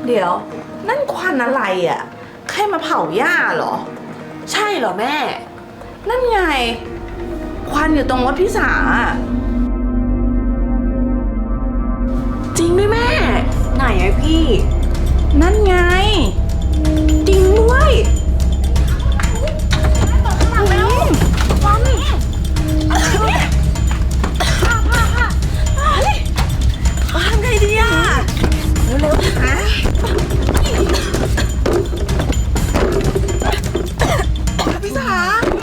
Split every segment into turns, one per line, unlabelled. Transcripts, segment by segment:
เดี๋ยวนั่นควันอะไรอ่ะใครมาเผาหญ้าเหรอ
ใช่เหรอแม่
นั่นไงควันอยู่ตรงรถพี่สา
จริงด้วยแม่ไหนอะพี่
นั่นไง
จริงด้วยทำไงดีอะเร็วๆนะพี่สา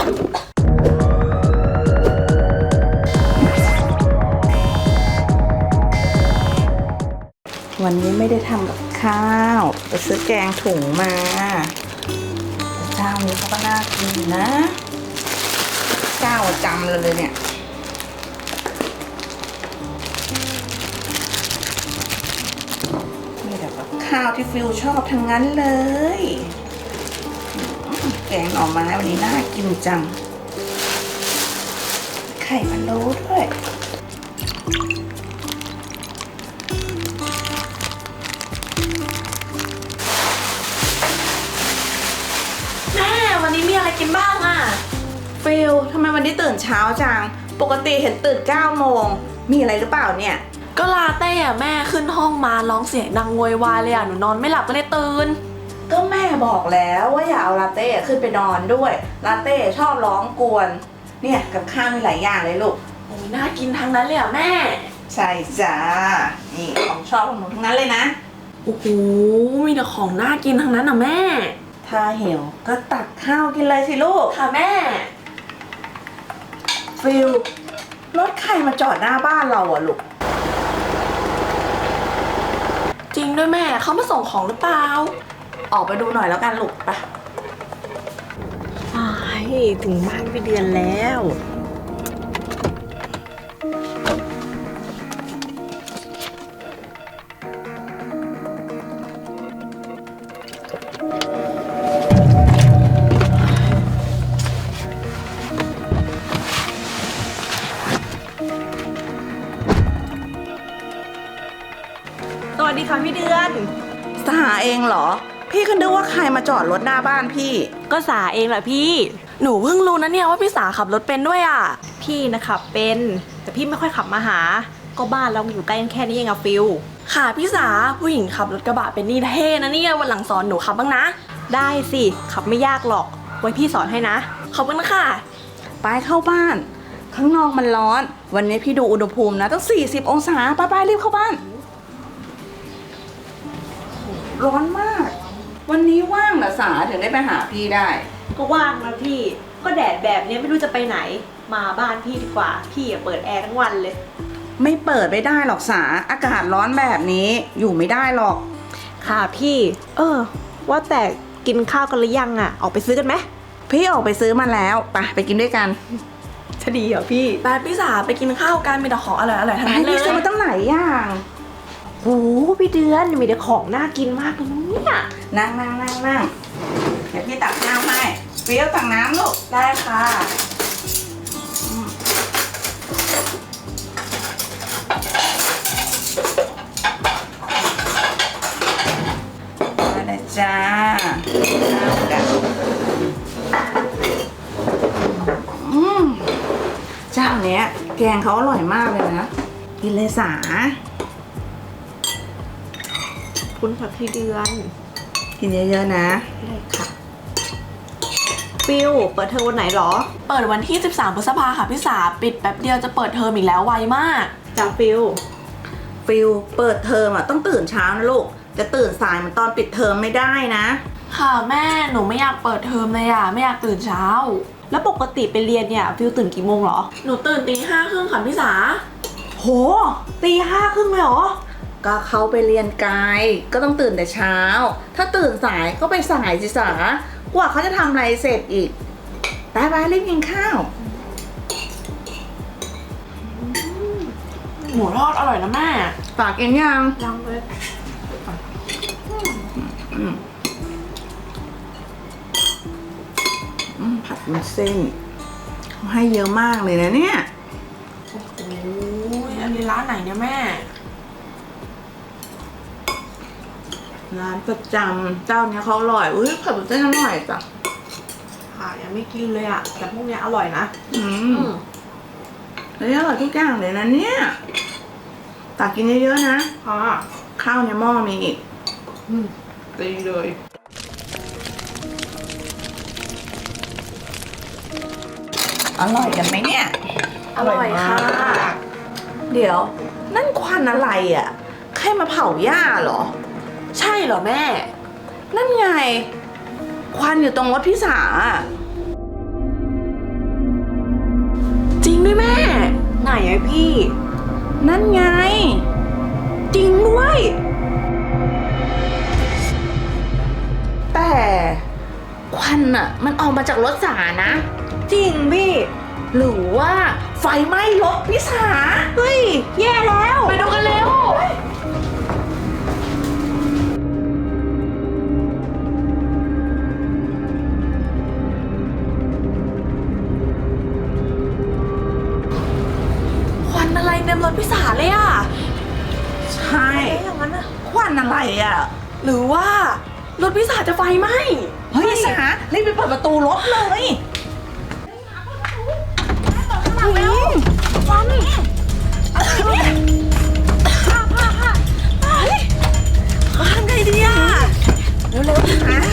วันนี้ไม่ได้ทำกับข้าวไปซื้อแกงถุงมาเจ้านี้เขาก็น่ากินนะเจ้าจำเลยเนี่ยมีแต่กับข้าวที่ฟิวชอบทั้งนั้นเลยแกงหน่อไม้วันนี้น่ากินจังไข่พะโล้ด้วย
วันนี้มีอะไรกินบ้างอะ
ฟิลทำไมวันนี้ตื่นเช้าจังปกติเห็นตื่น9 โมงมีอะไรหรือเปล่าเนี่ย
ก็ลาเต้อะแม่ขึ้นห้องมาร้องเสียงดังโวยวายเลยอะหนูนอนไม่หลับก็เลยตื่น
ก็แม่บอกแล้วว่าอย่าเอาลาเต้ขึ้นไปนอนด้วยลาเต้ชอบร้องกวนเนี่ยกับข้าวมีหลายอย่างเลยลูก
โอ้ยน่ากินทั้งนั้นเลยอะแม่
ใช่จ้านี่ของชอบของหนูทั้งนั้นเลยนะ
โอ้โหมีแต่ของน่ากินทั้งนั้นอะแม่
ถ้าหิวก็ตักข้าวกินเลยสิลูก
ค่ะแม่
ฟิลรถใครมาจอดหน้าบ้านเราอะลูก
จริงด้วยแม่เขามาส่งของหรือเปล่า
ออกไปดูหน่อยแล้วกันลูกไป
ถึงบ้านพี่เดือนแล้วสวัสดีค่ะพี่เดือน
สหาเองเหรอพี่ก็นึกว่าใครมาจอดรถหน้าบ้านพี่
ก็สาเองแหละพี่หนูเพิ่งรู้นะเนี่ยว่าพี่สาขับรถเป็นด้วยอ่ะ
พี่นะขับเป็นแต่พี่ไม่ค่อยขับมาหาก็บ้านเราอยู่ใกล้กันแค่นี้เองอะฟิล
ค่ะพี่สาผู้หญิงขับรถกระบะเป็นนี่เท่นะเนี่ยวันหลังสอนหนูขับบ้างนะ
ได้สิขับไม่ยากหรอกไว้พี่สอนให้นะ
ขอบคุณค่ะ
ไปเข้าบ้านข้างนอกมันร้อนวันนี้พี่ดูอุณหภูมินะตั้ง40 องศาไปรีบเข้าบ้านร้อนมากวันนี้ว่างเหรอสาถึงได้ไปหาพี่ได้
ก็ว่างนะพี่ก็แดดแบบนี้ไม่รู้จะไปไหนมาบ้านพี่ดีกว่าพี่เปิดแอร์ทั้งวันเลย
ไม่เปิดไม่ได้หรอกสาอากาศร้อนแบบนี้อยู่ไม่ได้หรอก
ค่ะพี่ว่าแต่กินข้าวกันหรือยังอะออกไปซื้อกันไหม
พี่ออกไปซื้อมาแล้วไปกินด้วยกัน
จะดีเหรอพี่
ไปพี่สาไปกินข้าวกันมีแต่ของอร่อยๆทั้งนั้นเลย
พี่ซื้อมาตั้งหลายอย่าง
โหพี่เดือนมีแต่ของน่ากินมากเลยเนี่ย
นั่งเดี๋ยวพี่ตักน้ำให้เปรี้ยวตักน้ำลูก
ได้ค่ะ
มาเลยจ้าข้าวกันเจ้าเนี้ยแกงเขาอร่อยมากเลยนะกินเลยสา
คุณค่ะพี่เดือน
กินเยอะๆนะ
ได้ค่ะฟิลเปิดเทอมวันไหนหรอ
เปิดวันที่13 พฤษภาค่ะพี่สาปิดแป๊บเดียวจะเปิดเทอมอีกแล้วไวมาก
จ้าฟิล
เปิดเทอมต้องตื่นเช้านะลูกจะตื่นสายเหมือนตอนปิดเทอมไม่ได้นะ
ค่ะแม่หนูไม่อยากเปิดเทอมเลยอ่ะไม่อยากตื่นเช้า
แล้วปกติไปเรียนเนี่ยฟิลตื่นกี่โมงหรอ
หนูตื่นตี 5:30ค่ะพี่สา
โหตี 5:30เลยหรอ
ก็เขาไปเรียนไกลก็ต้องตื่นแต่เช้าถ้าตื่นสายก็ไปสายสิสากว่าเขาจะทำอะไรเสร็จอีกไปรีบกินข้าว
หมูทอดอร่อยนะแม่
ฝากกินยัง
เลย
ผัดวุ้นเส้นเขาให้เยอะมากเลยนะเนี่ย
โอ้โหอันนี้ร้านไหนเนี่ยแม่
ร้านประจำเจ้าเนี้ยเขาอร่อยอุ้ยผัดวุ้นเส้นอร่อยจ้ะ
ค่ะยังไม่กินเลยอะแต่พวกเนี้ยอร่อยนะ
แล้วอร่อยทุกอย่างเลยนะเนี่ยตักกินเยอะๆนะ
ค่ะ
ข้าวในหม้อมีอีก
ดีเลย
อร่อยกันไหมเนี่ย
อร่อยค่ะ
เดี๋ยว นั่นควันอะไรอ่ะ ใครมาเผาหญ้าเหรอ
ใช่เหรอแม่
นั่นไง ควันอยู่ตรงรถพี่สาอะ
จริงด้วยแม่
ไหนอะพี่
นั่นไง
จริงด้วย
แต่ควันอ่ะ มันออกมาจากรถสานะ
จริงพี่
หรือว่าไฟไหม้รถพี่สา
เฮ้ย แย่แล้ว
ไปดูกันเร็ว ควันอะไรเต็มรถพิสาเลยอ่ะ
ใช่
อย่างนั้นอะ
ควันอะไรอ่ะ
หรือว่ารถพิสาจะไฟไหม้
เฮ้ยสารีบไปเปิดประตูรถเลย
ควันทำไงดีอ่ะ
เร็วๆนะ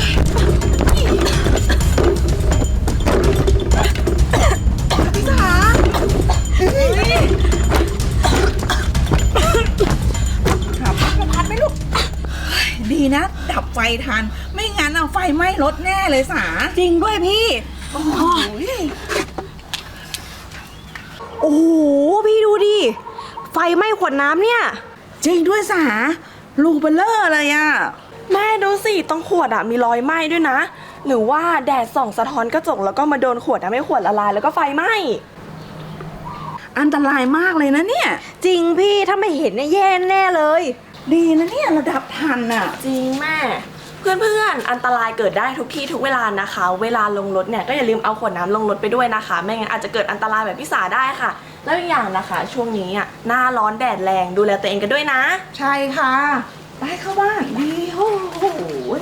พี่สาหาพัดมาพัดไหมลูกเฮ้ยดีนะ ดับไฟทัน ไม่งั้นเอาไฟไหม้รถแน่เลยสา
จริงด้วยพี่
โอ้ย
โอ้โห พี่ดูดิ ไฟไหม้ขวดน้ำเนี่ย
จริงด้วยสาลูกเบลเลอร์เลยอ่ะ
แม่ดูสิตรงขวดอ่ะมีรอยไหม้ด้วยนะ หรือว่าแดดส่องสะท้อนกระจกแล้วก็มาโดนขวดทำให้ขวดละลายแล้วก็ไฟไหม้
อันตรายมากเลยนะเนี่ย
จริงพี่ถ้าไม่เห็นเนี่ยแย่แน่เลย
ดีนะเนี่ยเราดับทันอ่ะ
จริงแม่ เพื่อนๆ อันตรายเกิดได้ทุกที่ทุกเวลานะคะ เวลาลงรถเนี่ยก็อย่าลืมเอาขวดน้ำลงรถไปด้วยนะคะ ไม่งั้นอาจจะเกิดอันตรายแบบพี่สาได้ค่ะ แล้วอีกอย่างนะคะ ช่วงนี้อ่ะหน้าร้อนแดดแรงดูแลตัวเองกันด้วยนะ
ใช่ค่ะ ไปเข้าบ้านดีโอ้โห